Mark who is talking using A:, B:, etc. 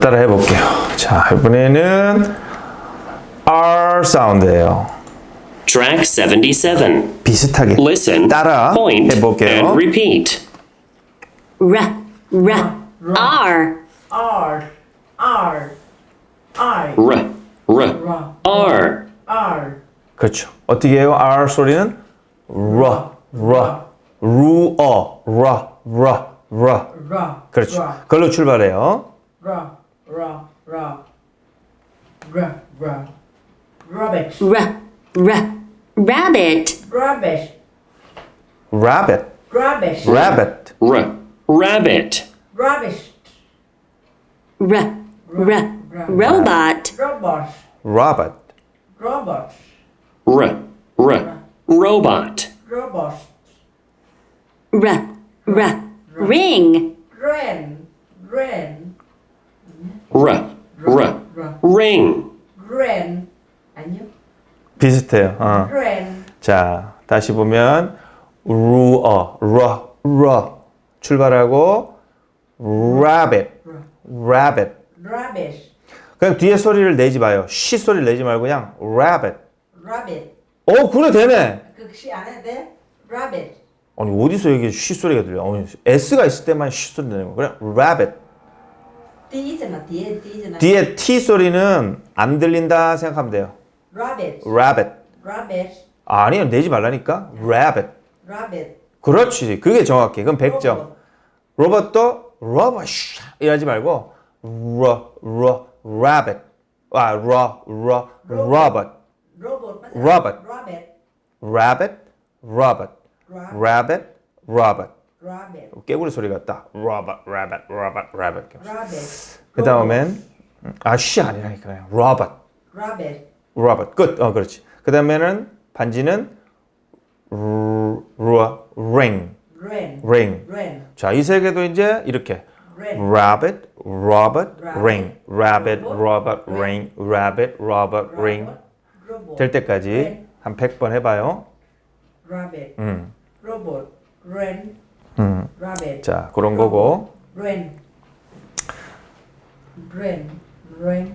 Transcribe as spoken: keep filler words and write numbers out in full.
A: 따라 해볼게요. 자, 이번에는 R 사운드예요.
B: Track seventy-seven.
A: 비슷하게
B: Listen,
A: 따라
B: point,
A: 해볼게요.
B: and repeat.
C: R, R, R,
D: R, R, I,
B: R, R, R.
D: R,
A: 그렇죠. 어떻게 해요? R 소리는 R, R, 루어, R, R, R.
D: R,
A: 그렇죠.
D: R,
A: 그걸로 출발해요.
D: R, R, R, R, R, Rabbit,
C: R, R, rabbit,
D: rabbit,
A: Rabbit,
D: rabbit,
A: rabbit,
B: R, rabbit.
D: rabbit,
C: R, R, robot,
D: robot,
A: Robot,
D: robot,
B: R, R, robot.
D: robot,
C: R, R, ring,
D: rain, rain,
B: R, R, ring.
D: rain, 아니요,
A: 비슷해요. 어.
D: rain,
A: 자, 다시 보면 루어, 러, 러 출발하고 rabbit, rabbit.
D: rabbit,
A: 그냥 뒤에 소리를 내지 마요. 쉬 소리를 내지 말고 그냥 rabbit.
D: rabbit,
A: 어, 그래 되네.
D: 그시 안 해도 돼? rabbit,
A: 아니 어디서 여기 쉬 소리가 들려? 아니, S가 있을 때만 쉬 소리 내는 거. 그래 rabbit.
D: T잖아, 뒤에 T잖아,
A: 뒤에 T 소리는 안 들린다 생각하면 돼요.
D: rabbit,
A: rabbit.
D: rabbit,
A: 아니요, 내지 말라니까. rabbit.
D: rabbit,
A: 그렇지. 그게 정확해. 그럼 백 점. 로봇도 로봇 이러지 말고 러, 러, rabbit. 아, 러, 러, robot.
D: robot, 맞아?
A: Robot.
D: rabbit,
A: rabbit, robot.
D: Ra-
A: rabbit, robot.
D: rabbit,
A: 깨구리 소리 같다. robot, rabbit, robot, rabbit.
D: rabbit,
A: 그 다음엔 아, 쉬 아니라니까 그냥 robot,
D: rabbit,
A: robot. 끝. 어, 그렇지. 그 다음에는 반지는 루, 루, ring,
D: rain,
A: ring.
D: rain,
A: 자, 이 세 개도 이제 이렇게
D: rain,
A: rabbit, robot,
D: Rabbit,
A: ring, rabbit,
D: robot,
A: robot, ring, rabbit, robot, ring
D: robot,
A: 될 때까지
D: rain,
A: 한 백 번 해봐요.
D: rabbit,
A: 음,
D: robot, rain,
A: 음.
D: rabbit,
A: 자, 그런 거고.
D: rain, rain, rain.